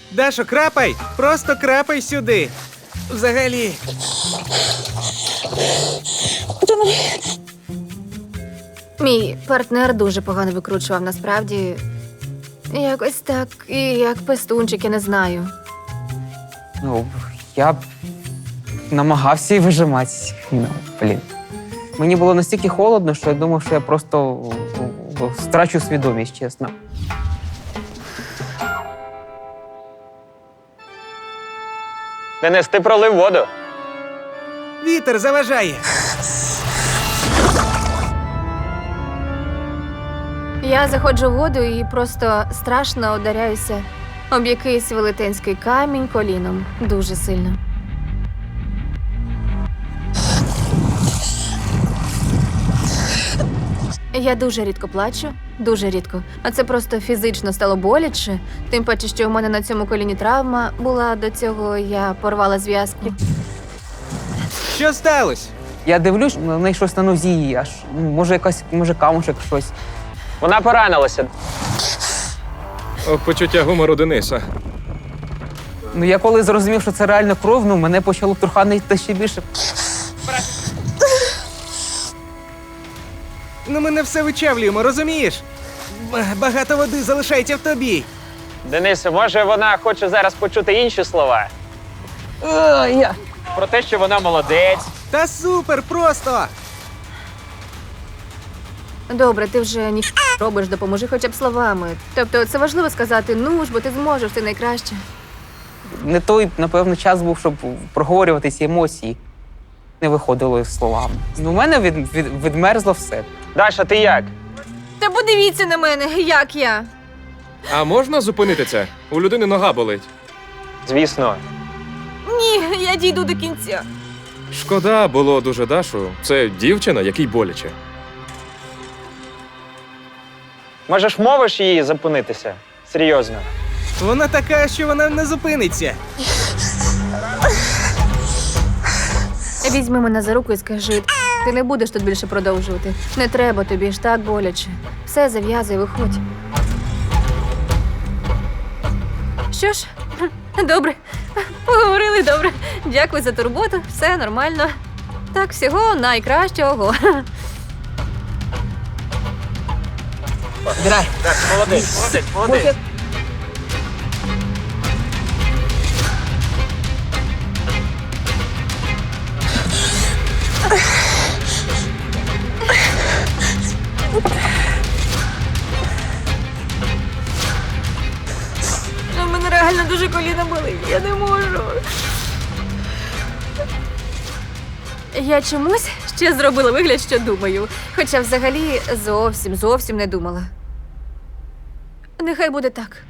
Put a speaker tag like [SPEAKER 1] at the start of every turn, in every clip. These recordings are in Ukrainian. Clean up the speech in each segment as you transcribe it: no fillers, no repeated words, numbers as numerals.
[SPEAKER 1] Дашо, крапай! Просто крапай сюди. Взагалі.
[SPEAKER 2] Мій партнер дуже погано викручував, насправді. Якось так, і як пестунчик, я не знаю.
[SPEAKER 3] Ну, я б намагався і вижимати. Ну, блін. Мені було настільки холодно, що я думав, що я просто втрачу свідомість, чесно.
[SPEAKER 4] Денис, ти пролив воду.
[SPEAKER 1] Вітер заважає.
[SPEAKER 2] Я заходжу в воду і просто страшно ударяюся об якийсь велетенський камінь коліном. Дуже сильно. Я дуже рідко плачу, дуже рідко. А це просто фізично стало боляче. Тим паче, що у мене на цьому коліні травма була до цього, я порвала зв'язки.
[SPEAKER 1] Що сталося?
[SPEAKER 3] Я дивлюсь, на неї щось на нозі, аж, може камушек щось.
[SPEAKER 4] Вона поранилася.
[SPEAKER 5] Почуття гумору Дениса.
[SPEAKER 3] Ну, я коли зрозумів, що це реально кров, ну, мене почало труханити ще більше.
[SPEAKER 1] Ну ми не все вичавлюємо, розумієш? Багато води залишається в тобі.
[SPEAKER 4] Денисе, може вона хоче зараз почути інші слова? Про те, що вона молодець.
[SPEAKER 1] Та супер, просто!
[SPEAKER 2] Добре, ти вже ні робиш, допоможи хоча б словами. Тобто це важливо сказати, ну ж, бо ти зможеш, ти найкраще.
[SPEAKER 3] Не той, напевно, час був, щоб проговорювати ці емоції. Не виходило словами. Ну, у мене відмерзло все.
[SPEAKER 4] Даша, ти як?
[SPEAKER 2] Та подивіться на мене, як я.
[SPEAKER 5] А можна зупинити це? У людини нога болить.
[SPEAKER 4] Звісно.
[SPEAKER 2] Ні, я дійду до кінця.
[SPEAKER 5] Шкода було дуже Дашу. Це дівчина, якій боляче.
[SPEAKER 4] Може ж мовиш її зупинитися? Серйозно.
[SPEAKER 1] Вона така, що вона не зупиниться.
[SPEAKER 2] Візьми мене за руку і скажи, ти не будеш тут більше продовжувати. Не треба тобі ж так боляче. Все, зав'язуй, виходь. Що ж, добре. Поговорили добре. Дякую за турботу. Все нормально. Так, всього найкращого.
[SPEAKER 3] Драй.
[SPEAKER 4] Так, молодець.
[SPEAKER 2] У мене реально дуже коліна болить. Я не можу. Я чомусь ще зробила вигляд, що думаю. Хоча взагалі зовсім не думала. Нехай буде так.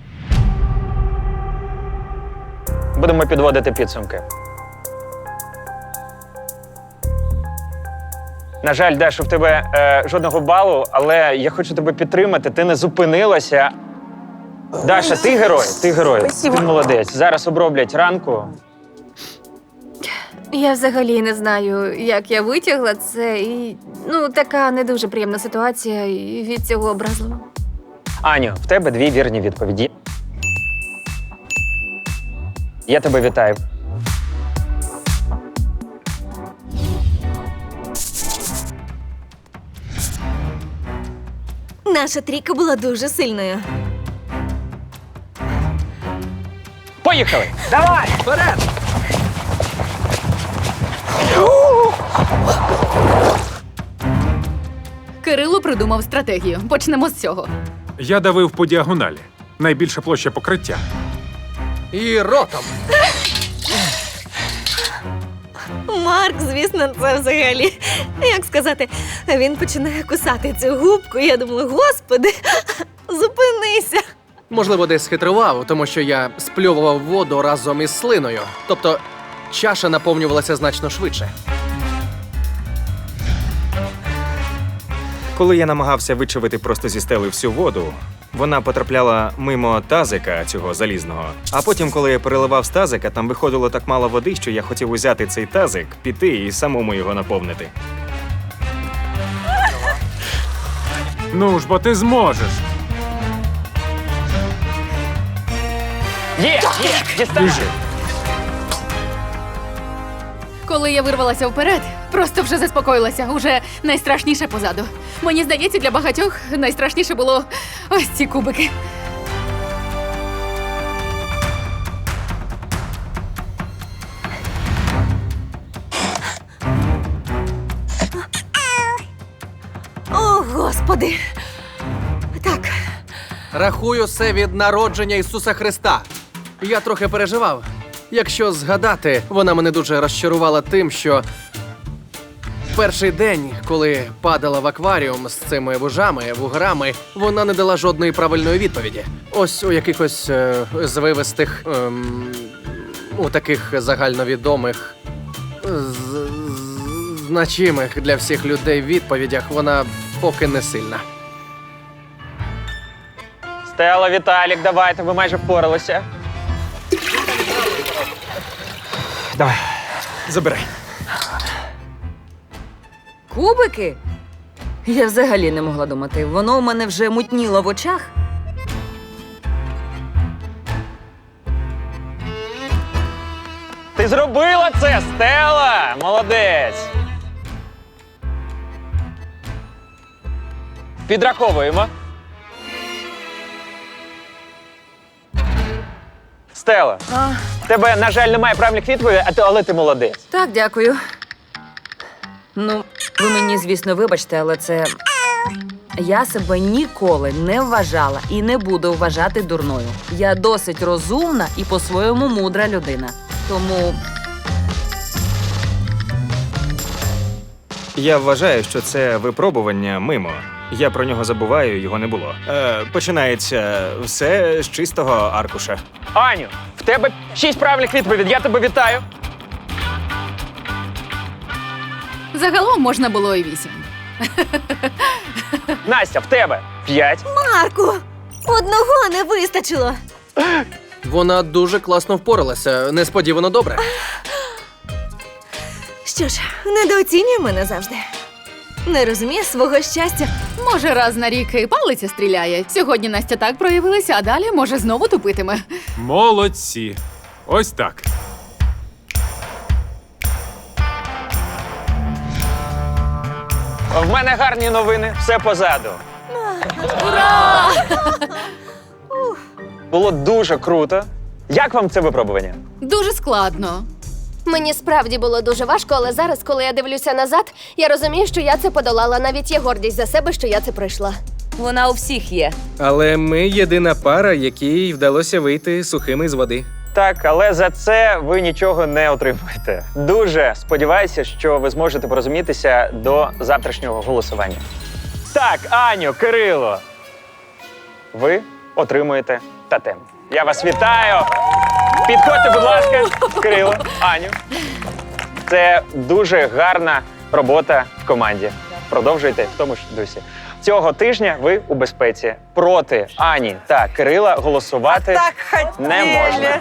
[SPEAKER 4] Будемо підводити підсумки. На жаль, Даша, в тебе жодного балу, але я хочу тебе підтримати. Ти не зупинилася. Даша, ти герой.
[SPEAKER 3] Спасибо.
[SPEAKER 4] Ти молодець. Зараз оброблять ранку.
[SPEAKER 2] Я взагалі не знаю, як я витягла це, і така не дуже приємна ситуація і від цього образливо.
[SPEAKER 4] Аню, в тебе 2 вірні відповіді. Я тебе вітаю.
[SPEAKER 2] Наша трійка була дуже сильною.
[SPEAKER 4] Поїхали! Давай! Вперед!
[SPEAKER 6] Кирило придумав стратегію. Почнемо з цього.
[SPEAKER 7] Я давив по діагоналі. Найбільша площа покриття.
[SPEAKER 1] І ротом.
[SPEAKER 8] Марк, звісно, це взагалі. Як сказати, він починає кусати цю губку, і я думала, господи, зупинися.
[SPEAKER 9] Можливо, десь схитрував, тому що я спльовував воду разом із слиною. Тобто чаша наповнювалася значно швидше.
[SPEAKER 10] Коли я намагався вичавити просто зі стели всю воду, вона потрапляла мимо тазика цього залізного. А потім, коли я переливав з тазика, там виходило так мало води, що я хотів узяти цей тазик, піти і самому його наповнити.
[SPEAKER 7] Ну ж, бо ти зможеш.
[SPEAKER 4] Є! Дістань!
[SPEAKER 6] Коли я вирвалася вперед, просто вже заспокоїлася. Уже найстрашніше позаду. Мені здається, для багатьох найстрашніше було ось ці кубики.
[SPEAKER 8] О, Господи! Так,
[SPEAKER 9] Рахую все від народження Ісуса Христа. Я трохи переживав. Якщо згадати, вона мене дуже розчарувала тим, що перший день, коли падала в акваріум з цими вужами, вуграми, вона не дала жодної правильної відповіді. Ось у якихось звивистих, у таких загальновідомих, значимих для всіх людей відповідях вона поки не сильна.
[SPEAKER 4] Стелла, Віталік, давайте, ви майже впоралися.
[SPEAKER 1] Давай, забирай.
[SPEAKER 11] Кубики? Я взагалі не могла думати. Воно у мене вже мутніло в очах.
[SPEAKER 4] Ти зробила це, Стелла! Молодець! Підраховуємо. Стелла, в тебе, на жаль, немає правильних відповідей, але ти молодець.
[SPEAKER 11] Так, дякую. Ну, ви мені, звісно, вибачте, але це. Я себе ніколи не вважала і не буду вважати дурною. Я досить розумна і по-своєму мудра людина. Тому
[SPEAKER 10] Я вважаю, що це випробування мимо. Я про нього забуваю, його не було. Починається все з чистого аркуша.
[SPEAKER 4] Аню, в тебе 6 правильних відповідей, я тебе вітаю.
[SPEAKER 6] Загалом можна було і 8.
[SPEAKER 4] Настя, в тебе 5.
[SPEAKER 8] Марку! Одного не вистачило.
[SPEAKER 9] Вона дуже класно впоралася, несподівано добре.
[SPEAKER 8] Що ж, недооцінює мене завжди. Не розуміє свого щастя.
[SPEAKER 6] Може, раз на рік і палиця стріляє. Сьогодні Настя так проявилася, а далі, може, знову тупитиме.
[SPEAKER 7] Молодці. Ось так.
[SPEAKER 4] В мене гарні новини, все позаду. Було дуже круто. Як вам це випробування?
[SPEAKER 6] Дуже складно.
[SPEAKER 2] Мені справді було дуже важко, але зараз, коли я дивлюся назад, я розумію, що я це подолала. Навіть є гордість за себе, що я це пройшла.
[SPEAKER 11] вона у всіх є.
[SPEAKER 1] Але ми єдина пара, якій вдалося вийти сухими з води.
[SPEAKER 4] Так, але за це ви нічого не отримуєте. Дуже сподіваюся, що ви зможете порозумітися до завтрашнього голосування. Так, Аню, Кирило, ви отримуєте тотем. Я вас вітаю! Підходьте, будь ласка, Кирило, Аню. Це дуже гарна робота в команді. Продовжуйте в тому ж дусі. Цього тижня ви у безпеці. Проти Ані та Кирила голосувати не можна.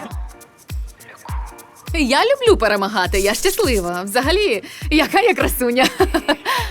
[SPEAKER 6] Я люблю перемагати, я щаслива. Взагалі, яка я красуня.